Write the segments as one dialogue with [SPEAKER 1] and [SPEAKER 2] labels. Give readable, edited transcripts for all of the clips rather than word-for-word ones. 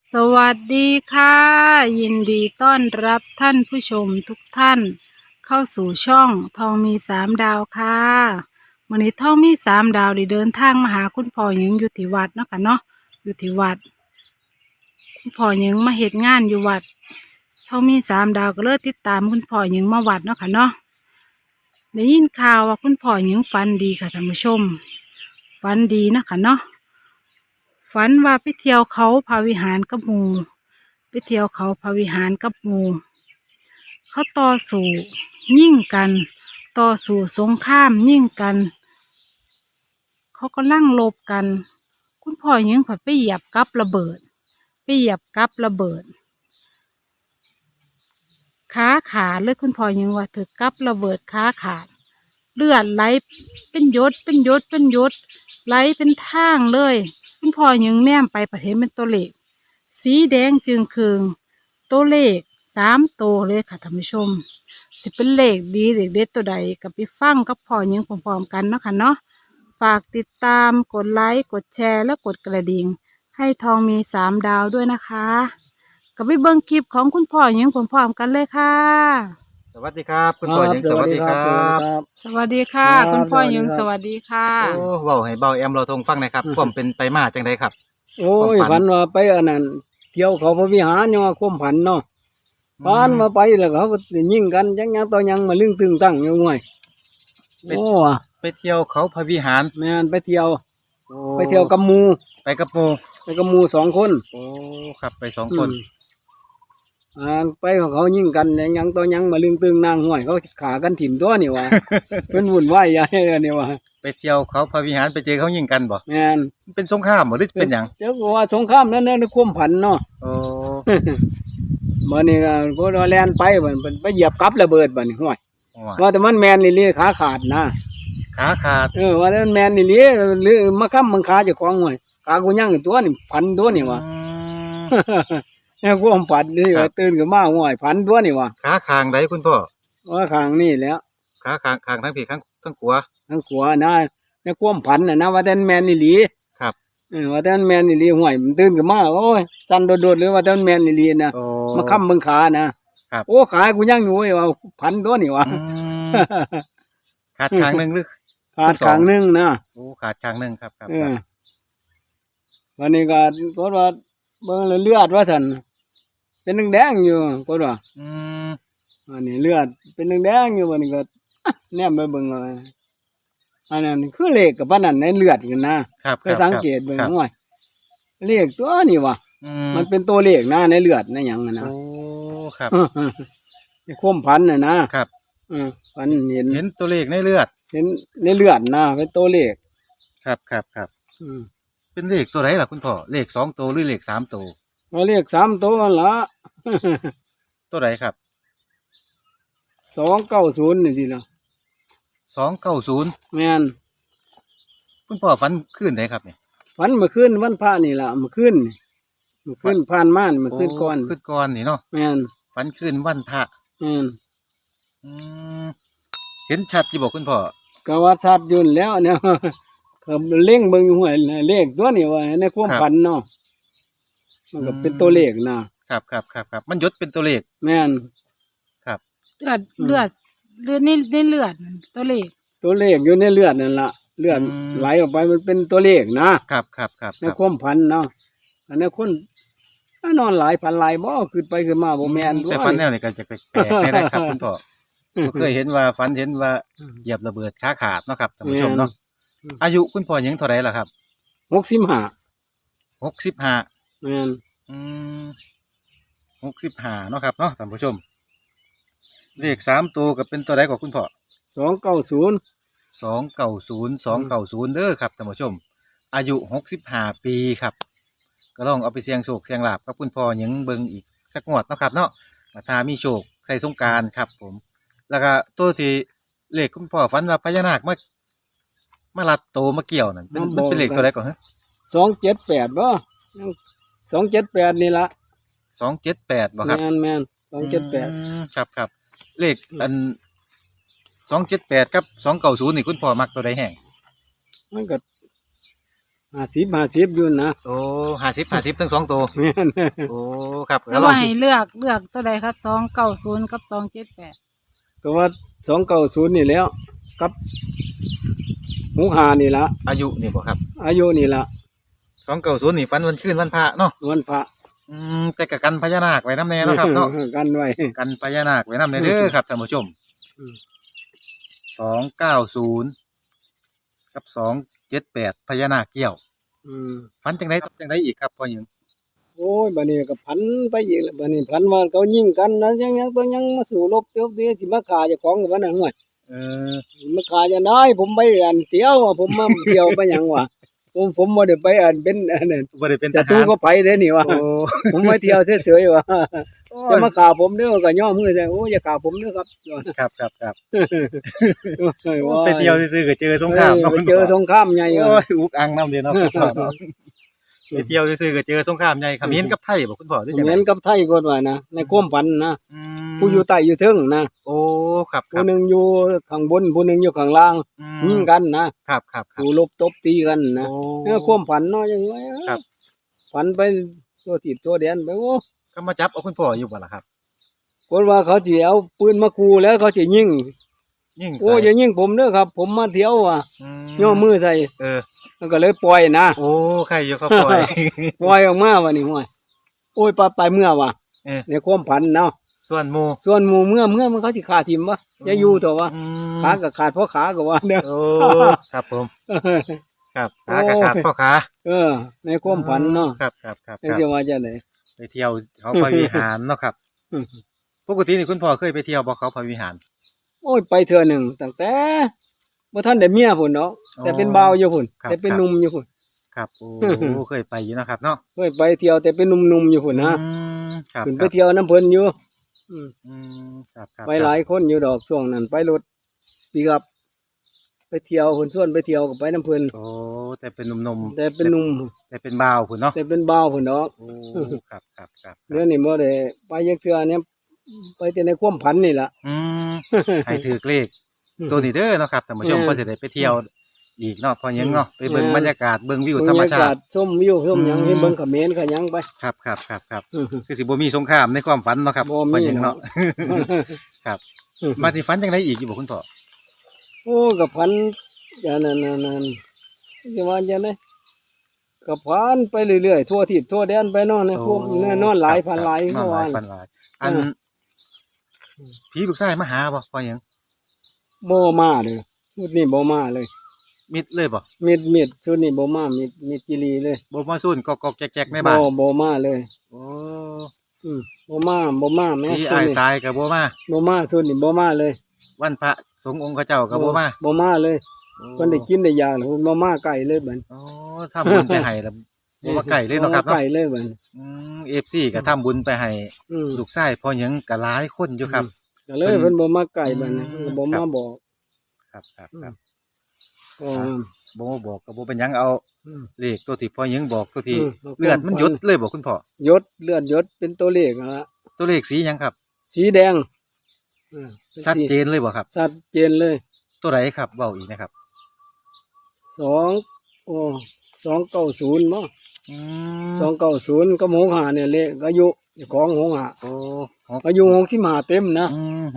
[SPEAKER 1] สวัสดีค่ะยินดีต้อนรับท่านผู้ชมทุกท่านเข้าสู่ช่องทองมีสามดาวค่ะวันนี้ทองมีสามดาวได้เดินทางมาหาคุณพ่อหญิงอยู่ที่วัดเนาะค่ะเนาะอยู่ที่วัดคุณพ่อหญิงมาเฮ็ดงานอยู่วัดทองมีสามดาวก็เลยติดตามคุณพ่อหญิงมาวัดเนาะค่ะเนาะได้ยินข่าวว่าคุณพ่อหญิงฝันดีค่ะท่านผู้ชมฝันดีเนาะค่ะเนาะฝันว่าไปเที่ยวเขาพระวิหารกับหมู่ ไปเที่ยวเขาพระวิหารกับหมู่เขาต่อสู้ยิ่งกันต่อสู้สงครามยิ่งกันเขาก็ลั่งรบกันคุณพ่อยิงผัดไปเหยียบกับระเบิดไปเหยียบกับระเบิดขาขาดเลยคุณพ่อยิงว่าถือกับระเบิดขาขาดเลือดไหลเป็นหยดเป็นหยดเป็นหยดไหลเป็นทางเลยคุณพ่อยิงแนมไปประเห็นเป็นตัวเลขสีแดงจึงคืองตัวเลข3 ตัวเลยค่ะท่านผู้ชมสิเป็นเลขดีเลขเด็ดตัวใดกับไปฟังกับพ่อยิงพร้อมๆกันเนาะค่ะเนาะฝากติดตามกดไลค์กดแชร์และกดกระดิ่งให้ทองมี3 ดาวด้วยนะคะกับไปเบิ่งคลิปของคุณพ่อยิงพร้อมๆกันเลยค่ะ
[SPEAKER 2] สวัสดีครับคุณพ่อหญิง
[SPEAKER 3] ส
[SPEAKER 2] ส
[SPEAKER 3] วั
[SPEAKER 2] วั
[SPEAKER 3] ส
[SPEAKER 2] ส
[SPEAKER 3] ดี
[SPEAKER 2] ดี
[SPEAKER 3] ค
[SPEAKER 2] ค
[SPEAKER 3] รั
[SPEAKER 2] รั
[SPEAKER 3] สวัสดี
[SPEAKER 2] บ
[SPEAKER 3] ครับ
[SPEAKER 1] สวัสดีค่ะ
[SPEAKER 3] ครับ
[SPEAKER 1] คุณพ่อยิง
[SPEAKER 3] สวัสดีครับ
[SPEAKER 1] สวัสดีค่ะ
[SPEAKER 2] โอ้เว้าให้เบาแอมเราทงฟังหนะครับความเป็นไปมาจังไดครับ
[SPEAKER 3] โอ้ย
[SPEAKER 2] ความฝัน
[SPEAKER 3] ฝันว่าไปอันนั้นเที่ยวเขาพระวิหารเนี่ยว่าความผันเนาะฝันมาไปแล้วเขาก็ยิงกันจังยังต่อยังมาลึงตึงตั้งอยู่ง่วยโอ้ว่ะ
[SPEAKER 2] ไปเที่ยวเขาพระวิหาร
[SPEAKER 3] แม่นไปเที่ยว
[SPEAKER 2] โอ้
[SPEAKER 3] ไปเที่ยวกับหมู่
[SPEAKER 2] ไปกับหมู่
[SPEAKER 3] ไปกับหมู่2 คน
[SPEAKER 2] โอ้ครับไป2 คน
[SPEAKER 3] ไปของเขายิงกันจังยังต่อยังมาลึงตึงนางห้วยเขาขากันถิ่มตัวนี่ว่ะ เพิ่นวุ่นวายใหญ่เลยนี่ว่ะ
[SPEAKER 2] ไปเที่ยวเขาพระวิหารไปเจอเขายิงกันบ่
[SPEAKER 3] แม่น
[SPEAKER 2] มันเป็นสงครามบ่หรือเป็นหยัง
[SPEAKER 3] เจ้าก็ว่าสงครามนั่นในความผันเนาะ
[SPEAKER 2] โอ้
[SPEAKER 3] บัดนี้ก็พอแล่นไปบัดไปเหยียบกับระเบิดบัดนี้ห้วย
[SPEAKER 2] ว่า
[SPEAKER 3] ว่าแต่มันแมนนี่ลีขาขาดนะ
[SPEAKER 2] ขาขาด
[SPEAKER 3] ว่าแต่มันแมนนี่ลีหรือมาค้ำมังขาเจ้าของห่วยขากูยังอยู่ตัวนี่พันตัวนี่วะ
[SPEAKER 2] อืม
[SPEAKER 3] แล้กูอมฝันนี่
[SPEAKER 2] ครั
[SPEAKER 3] ว่า
[SPEAKER 2] บ
[SPEAKER 3] ตื่นขึ้นมาห่วยพันตัวนี่วะ
[SPEAKER 2] ขาคางใดคุณพ่อ
[SPEAKER 3] ว่าข้างนี่แหล้ว
[SPEAKER 2] ขาคางทั้งพี่ทั้งขวา
[SPEAKER 3] ทั้งขวานะในความผันน่ะนะว่าแต่มันแมนนี่ลี
[SPEAKER 2] ครับ
[SPEAKER 3] ว่าแต่มันแมนนี่ลีห่วยมันตื่นขึ้นมาโอ้ยสั่นโดดๆหรือว่าแต่มันแมนนี่ลีนะ
[SPEAKER 2] โอ้
[SPEAKER 3] มาค้ำมังขานะครับ โอ้ขากูยังอยู่เว้ยว่าพันตัวนี่วะ
[SPEAKER 2] อืมขาดคางหนึงหรือ
[SPEAKER 3] ขาดข้างหนึงนะ
[SPEAKER 2] โอ้ขาดคางหนึงครับครับ
[SPEAKER 3] วันนี้ก็ก็ว่าเบิ่งแล้วเลือดว่าซั่นเป็นแดงๆอยู่ก็ว่า
[SPEAKER 2] อืม
[SPEAKER 3] อันนี้เลือดเป็นแดงๆอยู่วันนี้ก็ แนมไปเบิ่งเอาอันนั้นคือเลขกับปานนั้นในเลือดกันนะครับ เคยสังเกตเบิ่ง
[SPEAKER 2] ครับ
[SPEAKER 3] ว่าเลขตัวนี้ว่ะ
[SPEAKER 2] อื
[SPEAKER 3] มันเป็นตัวเลขนะในเลือดในหยังน่ะนะ
[SPEAKER 2] โอ้ครับ
[SPEAKER 3] ในความพันน่ะนะครับ พันเห็น
[SPEAKER 2] เห็นตัวเลขในเลือด
[SPEAKER 3] เห็นในเลือดนะเป็นตัวเลข
[SPEAKER 2] ครับครับครับ
[SPEAKER 3] อืม
[SPEAKER 2] เป็นเลขตัวไหนล่ะคุณพ่อเลข2 ตัวหรือเลข3 ตัว
[SPEAKER 3] ว่าเลข3ตัวนั่นละ
[SPEAKER 2] ตัวไหนครับ
[SPEAKER 3] 290นี่ทีละ
[SPEAKER 2] 290
[SPEAKER 3] แม่น
[SPEAKER 2] คุณพ่อฝันขึ้นไหนครับเนี่ย
[SPEAKER 3] ฝันเมื่อคืนวันพระนี่ล่ะเมื่อคืนนี่เมื่อคืนผ่านมานี่เมื่อคืนก่อน
[SPEAKER 2] ขึ้นก่อนนี่เนาะ
[SPEAKER 3] แม่น
[SPEAKER 2] ฝันขึ้นวันพระ
[SPEAKER 3] แม่น
[SPEAKER 2] อืมเห็นชัดอยู่บอกคุณพ่อ
[SPEAKER 3] ก็ว่าชัดอยุ่นนแหล้วเนี่ย ก็เล็งเบิ่งอยู่ห้วยเลขตัวนี้ว่าในความฝันเนาะมันก็เป็นตัวเลขนะครับ
[SPEAKER 2] ครับมันยศเป็นตัวเลข
[SPEAKER 3] แม่น
[SPEAKER 2] ครับ
[SPEAKER 1] เลือดเลือดเลือดในเลือดนั่นตัวเลข
[SPEAKER 3] ตัวเลขอยู่ในเลือดนั่นล่ะเลือดไหลออกไปมันเป็นตัวเลขนะครับ ในความฝันเนาะอันนี้คนนอนหลายพันหลายบ่ขึ้นไปขึ้นมาบ่แม่นด้วย
[SPEAKER 2] แต่ฝันแนวนี่ก็จะแปลกๆได้ครับคุณพ่อบ่เคยเห็นว่าฝันเห็นว่าเหยียบระเบิดขาขาดเนาะครับท่านผู้ชมเนาะอายุคุณพ่อยังเท่าไหร่ล่ะครับ
[SPEAKER 3] 65
[SPEAKER 2] 65
[SPEAKER 3] แม่น
[SPEAKER 2] อืม65เนาะครับเนาะท่านผู้ชม เลข3 ตัวก็เป็นตัวใดกว่าคุณพ่อ
[SPEAKER 3] 290
[SPEAKER 2] 290เด้อครับท่านผู้ชม อายุ65 ปีครับ ก็ลองเอาไปเสี่ยงโชคเสี่ยงลาภกับคุณพ่อหยังเบิ่งอีกสักงวดเนาะครับเนาะถ้ามีโชคใส่สงกรานต์ครับผม แล้วก็ตัวที่เลขคุณพ่อฝันว่าพญานาคมาลัดโตมาเกี่ยวนั่นมันเป็นเลขตัวใดก่อนฮะ
[SPEAKER 3] 278บ่278นี่ล่ะ
[SPEAKER 2] 278บ่ครับ
[SPEAKER 3] แม่น278
[SPEAKER 2] ครับเลขอัน278กับ290นี่คุณพ่อมักตัวใดแห่ง
[SPEAKER 3] มันก็ 50อยู่นะ
[SPEAKER 2] โอ้50ทั้งสองตัว
[SPEAKER 3] แม่น
[SPEAKER 2] โอ้ครับ
[SPEAKER 1] แล้วว่าให้เลือกตัวใดครับ290กับ278
[SPEAKER 3] ก็ว่า290นี่แล้วกับ65นี่ละ
[SPEAKER 2] อายุนี่บ่ครับ
[SPEAKER 3] อายุนี่ละ
[SPEAKER 2] 290นี่ฝันวันคืนวันพระเนาะ
[SPEAKER 3] วันพระ
[SPEAKER 2] แต่กะกันพญานาคไว้น้ำแน่เนาะครับเนาะ
[SPEAKER 3] กันไว้
[SPEAKER 2] กันพญานาคไว้น้ำแน่เด้อครับท่านผู้ชม
[SPEAKER 3] อืม
[SPEAKER 2] 290กับ278พญานาคเกี่ยว
[SPEAKER 3] อืม
[SPEAKER 2] ฝันจังไดอีกครับพ่อหญิง
[SPEAKER 3] โอ้ยบัดนี้ก็พันไปอีกแล้วบัดนี้พันว่าเขายิงกันนะยังตัวยังมาสู่รบเตี้ยวเตี้ยสิมาฆ่าเจ้าของกับว่าน่ะห่วย
[SPEAKER 2] เออ
[SPEAKER 3] มาฆ่าจะได้ผมไปอันเที่ยวอะผมมาเที่ยวไปหยังวะผมบ่ได้ไปอันเป็นอันนั้น
[SPEAKER 2] บ่ได้เป็นท
[SPEAKER 3] ศัตรู
[SPEAKER 2] หาร
[SPEAKER 3] ก็ไปเด้นี่วะ
[SPEAKER 2] โอ้
[SPEAKER 3] ผมไปเที่ยวเฉยๆวะจะมาฆ่าผมเด้อก็ย่อมือใส่โอ้อย่าฆ่าผมเด้อครับ
[SPEAKER 2] ครับ
[SPEAKER 3] โอ้ยว่า
[SPEAKER 2] ไปเที่ยวซื่อๆก็เจอสงคราม
[SPEAKER 3] ไปเจอสงครามใหญ่
[SPEAKER 2] โอ้
[SPEAKER 3] วะ
[SPEAKER 2] ยอุกอังน้ำเดียวเนาะคุณพ่อเนาะไปเที่ยวซื่อๆก็เจอสงครามใหญ่เขมรกับไทยบ่คุณพ่อหรือจัง
[SPEAKER 3] เห
[SPEAKER 2] ได
[SPEAKER 3] มือนกับไทยก็ว่านะในความฝันนะ
[SPEAKER 2] อืม
[SPEAKER 3] ผู้อยู่ใต้อยู่เทึงนะ
[SPEAKER 2] โอ้ครับครั
[SPEAKER 3] ผู้
[SPEAKER 2] บ
[SPEAKER 3] หนึงอยู่ข้างบนผู้หนึงอยู่ข้างล่าง
[SPEAKER 2] อืม
[SPEAKER 3] ยิงกันนะครับ สู่รบตบตีกันนะ
[SPEAKER 2] โอ้
[SPEAKER 3] ความฝันเนาะจังไง
[SPEAKER 2] ครับ
[SPEAKER 3] ฝันไปตัวติดตัวแดนไปโอ้
[SPEAKER 2] ก็มาจับเอาคุณพ่ออยู่บ่ล่ะครับ
[SPEAKER 3] คนว่าเขาสิเอาปืนมาขู่แล้วเขาสิยิง
[SPEAKER 2] ยิ่ง
[SPEAKER 3] โอ้อย่ายิงผมเด้อครับ ผมมาเที่ยวอ่ะ
[SPEAKER 2] ม
[SPEAKER 3] ย่อมือใส่
[SPEAKER 2] เออ
[SPEAKER 3] มันก็เลยปล่อยนะ
[SPEAKER 2] โอ้ใครอยู่ครับพ่อย
[SPEAKER 3] ปล่อยออกมาวันนี้ห้วยโอ้ยไปเมื่อว่ะ
[SPEAKER 2] เออ
[SPEAKER 3] ในความฝันเนาะ
[SPEAKER 2] ส่วนหมู่
[SPEAKER 3] ส่วนหมู่เมื่อมันเขาสิขาทิมวะอย่าอยู่ตัววะ
[SPEAKER 2] อืม
[SPEAKER 3] ขาก็ขาดเพราะขาก็ว่าเด้อ
[SPEAKER 2] โอ้ครับผมครับขากระขาดพ่อขา
[SPEAKER 3] เออ ในความฝันเนาะ
[SPEAKER 2] ครับ
[SPEAKER 3] จังสิว่าจังได๋
[SPEAKER 2] ไปเที่ยวเขาพระวิหารเนาะครับปกตินี่คุณพ่อเคยไปเที่ยวบ่เขาพระวิหาร
[SPEAKER 3] โอ้ยไปเทื่อหนึ่งตั้งแต่บ่ทันได้เมียพุ่นเนาะแต่เป็นบ่าวอยู่พุ่น
[SPEAKER 2] ครับ
[SPEAKER 3] แต่เป็นหนุ่มอยู่พุ่น
[SPEAKER 2] ครับโอ้เคยไปอยู่เนาะครับเนาะ
[SPEAKER 3] เคยไปเที่ยวแต่เป็นหนุ่มๆอยู่พุ่นนะ
[SPEAKER 2] อืมครับ
[SPEAKER 3] ขึ้นไปเที่ยวน้ำเพิ่นอยู่อืม
[SPEAKER 2] ครับ
[SPEAKER 3] ไปหลายคนอยู่ดอกช่วงนั้นไปรถปีกับไปเที่ยวเพิ่นชวนไปเที่ยวก็ไปน้ำเพิ่น
[SPEAKER 2] โอ้แต่เป็นหนุ่มๆ
[SPEAKER 3] แต่เป็นหนุ่ม
[SPEAKER 2] แต่เป็นบ่าวพุ่นเนาะ
[SPEAKER 3] แต่เป็นบ่าวพุ่นดอก
[SPEAKER 2] โอ้ครับ
[SPEAKER 3] เดี๋ยวนี้บ่ได้ไปจักเทื่อเนี่ยไปแต่ในความฝันนี่ล่ะ
[SPEAKER 2] อืมให้ถือเลขตัวนี้เด้อเนาะครับท่านผู้ชม
[SPEAKER 3] แม่น
[SPEAKER 2] ก็จะได้ไปเที่ยวอีกเนาะพอหยังเนาะไปเบิ่ง
[SPEAKER 3] แม่น
[SPEAKER 2] บรรยากาศเบิ่งวิวธรรมชาติ
[SPEAKER 3] ชมวิวชมหยัง
[SPEAKER 2] อืม
[SPEAKER 3] เห็นเบิ่งเขมรก็หยังไป
[SPEAKER 2] ครับคือสิบ่มีสงครามในความฝันเนาะครับ
[SPEAKER 3] บ่มี
[SPEAKER 2] พอหยังเนาะ ครับมาที่ฝันจังไดอีกอยู่บ่คุณพ่อ
[SPEAKER 3] โอ้กับพันอย่างนั้นจะว่าอย่างไรกับพันไปเรื่อยๆทั่วทิศทั่วแดนไปเนอนในพวกนอนหลายพันหลาย
[SPEAKER 2] นอ
[SPEAKER 3] เขา
[SPEAKER 2] นหลา
[SPEAKER 3] ว่าย
[SPEAKER 2] พันหลายอันผีลูกชายมาหาบ่พอหยัง
[SPEAKER 3] บ่มาเลยชุดนี้บ่มาเลย
[SPEAKER 2] มิดเลยบ่
[SPEAKER 3] มิดชุดนี้บ่มามิดจิรีเลย
[SPEAKER 2] บ่มาซุ่นกอกๆแจ๊กๆในบ้าน
[SPEAKER 3] บ่มาเลย
[SPEAKER 2] โอ้
[SPEAKER 3] บ่มาแม่
[SPEAKER 2] ผี
[SPEAKER 3] ชุด
[SPEAKER 2] อ้าย
[SPEAKER 3] นี้
[SPEAKER 2] ตายก็บ่มา
[SPEAKER 3] บ่มาชุดนี้บ่มาเลย
[SPEAKER 2] วันพระสงฆ์องค์เขาเจ้าก็บ่มา
[SPEAKER 3] บ่มาเลยเพิ่นได้กินได้ยาแล้วเพิ่นบ่มาไกลเลยบัด
[SPEAKER 2] โอ้ทำบุญไปให้แล้วบ่มาไก่เลยเนาะครับ
[SPEAKER 3] บ่มไกล
[SPEAKER 2] เนาะ
[SPEAKER 3] เลยบัด
[SPEAKER 2] FC ก็ทำบุญไปให้
[SPEAKER 3] อืม
[SPEAKER 2] ลูกชายพอหยังก็หลายคนอยู่ครับ
[SPEAKER 3] ก็เลยเพิ่นบ่มาไกลบัดนี้
[SPEAKER 2] อืม
[SPEAKER 3] เพิ่นก็บ่มาบอก
[SPEAKER 2] ครับ
[SPEAKER 3] ก็
[SPEAKER 2] บ่มาบอกก็บ่เป็นหยังเอา
[SPEAKER 3] อืม
[SPEAKER 2] เลขตัวที่พ่อหยังบอกตัวที่
[SPEAKER 3] อืม
[SPEAKER 2] เลือดมันหยดเลยบอกคุณพ่อย
[SPEAKER 3] ศเลือดยศเป็นตัวเลขนั่นละ
[SPEAKER 2] ตัวเลขสีหยังครับ
[SPEAKER 3] สีแดงเป็น
[SPEAKER 2] ชัด
[SPEAKER 3] สี
[SPEAKER 2] เจนเลยบ่ครับ
[SPEAKER 3] ชัดเจนเลย
[SPEAKER 2] ตัวไหนครับเว้าอีกนะครับ
[SPEAKER 3] สองโอ้290มั้ง
[SPEAKER 2] อืม
[SPEAKER 3] 290ก็หงหาเนี่ยเลขอายุเจ้าของหงหา
[SPEAKER 2] โอ้หก
[SPEAKER 3] อายุ65เต็มนะ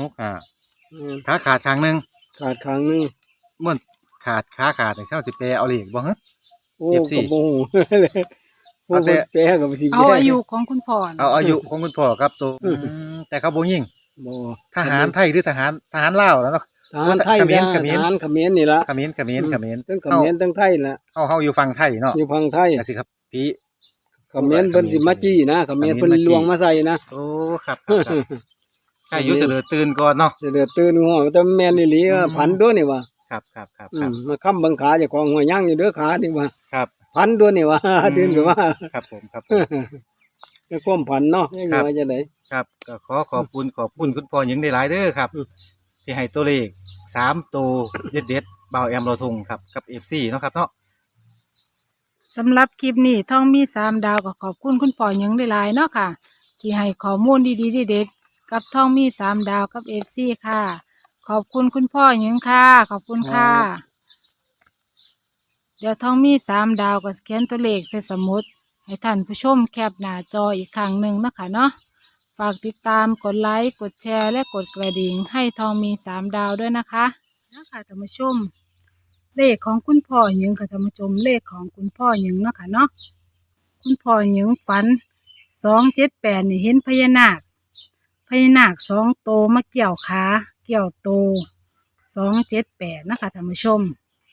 [SPEAKER 2] 65
[SPEAKER 3] อืม
[SPEAKER 2] ขาขาดข้างหนึง
[SPEAKER 3] ขาดข้างหนึง
[SPEAKER 2] ม่วนขาดขาขาดนี่เท่าสิแปลเอาเลขบ่ฮะ
[SPEAKER 3] โอ้
[SPEAKER 2] FC
[SPEAKER 3] ก็บ่ฮู้ผู้
[SPEAKER 2] เอาแต่
[SPEAKER 3] แปลก็บ่สิ
[SPEAKER 1] เอาอายุของคุณพ่อน่ะ
[SPEAKER 2] เอาอายุของคุณพ่อครับตัวแต่เขาบ่ยิง
[SPEAKER 3] บ่
[SPEAKER 2] ทหารไทยหรือทหารลาวแล้วเนาะ
[SPEAKER 3] ทหารไทย
[SPEAKER 2] เขมร
[SPEAKER 3] นะ
[SPEAKER 2] เขมร
[SPEAKER 3] ทหารเขมรนี่ล่ะ
[SPEAKER 2] เขมร
[SPEAKER 3] ทั้งเขมรทั้งไทยล่ะ
[SPEAKER 2] เฮาอยู่ฝั่งไทยเนาะ
[SPEAKER 3] อยู่ฝั่งไทย
[SPEAKER 2] ก็สิครับพี่
[SPEAKER 3] เขมรเพิ่นสิมาจี้นะเขมรเพิ่นลวงมาใส่นะ
[SPEAKER 2] โอ้ครับใช่อยู่เสลอตื่นก่อนเนาะ
[SPEAKER 3] เดือดตื่นหัวแต่แม่นอีหลีว่าพันตัวนี่ว่า
[SPEAKER 2] ครับ
[SPEAKER 3] มาค้ำบังขาเจ้าของหัวย่างอยู่เด้อขานี่ว่า
[SPEAKER 2] ครับ
[SPEAKER 3] พันตัวนี่ว่า ตื่นก็ว่า
[SPEAKER 2] ครับผม
[SPEAKER 3] แต่ความพันเนาะยังไงว่าจะได๋
[SPEAKER 2] ครับก็ขอบคุณคุณพ่อหญิงได้หลายเด้อครับ ที่ให้ตัวเลข3ตัวเด็ดๆบ่าวแอมเราทงครับกับ FC เนาะครับเนาะ
[SPEAKER 1] สำหรับคลิปนี้ท่องมี3 ดาวก็ขอบคุณคุณพ่อหยังหลายๆเนาะค่ะ ที่ให้ข้อมูลดีๆเด็ดๆกับท่องมี3 ดาวกับ FC ค่ะ ขอบคุณคุณพ่อหยังค่ะ ขอบคุณค่ะเดี๋ยวท่องมี3 ดาวก็เขียนตัวเลขใส่สมุดให้ท่านผู้ชมแคปหน้าจออีกครั้งหนึ่งนะคะเนาะฝากติดตามกดไลค์กดแชร์และกดกระดิ่งให้ทองมี3 ดาวด้วยนะคะท่านผู้ชมเลขของคุณพ่อหยิงค่ะท่านผู้ชมเลขของคุณพ่อหยิงเนาะค่ะเนาะคุณพ่อหยิงฝัน278นี่เห็นพญานาค2 โตวมาเกี่ยวขาเกี่ยวโต278นะคะท่านผู้ชม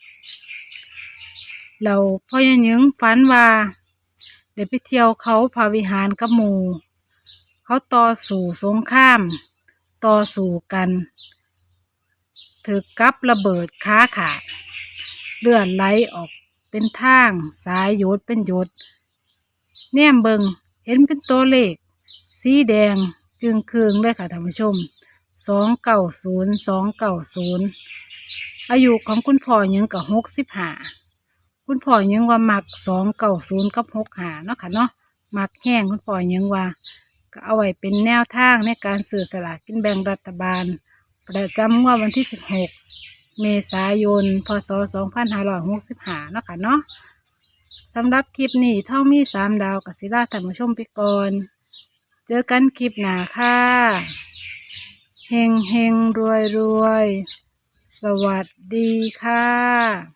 [SPEAKER 1] เราพ่อหยิงฝันว่าเดี๋ยวไปเที่ยวเขาพาวิหารกับหมู่เขาต่อสู้สงครามต่อสู้กันถือกับระเบิดขาขาดเลือดไหลออกเป็นทางสายหยดเป็นหยดแนมเบิงเห็นเป็นตัวเลขสีแดงจึงคืองเลยค่ะท่านผู้ชม290อายุของคุณพ่อยังกับ65คุณพ่อยังว่ามัก290กับ65เนาะค่ะเนาะมักแห้งคุณพ่อยังว่าก็เอาไว้เป็นแนวทางในการซื้อสลากกินแบ่งรัฐบาลประจำงวดวันที่16 เมษายน พ.ศ. 2565เนาะค่ะเนาะสำหรับคลิปนี้เท่ามี3 ดาวกับศิลาท่านผู้ชมไปก่อนเจอกันคลิปหน้าค่ะเฮงเฮงรวยรวยสวัสดีค่ะ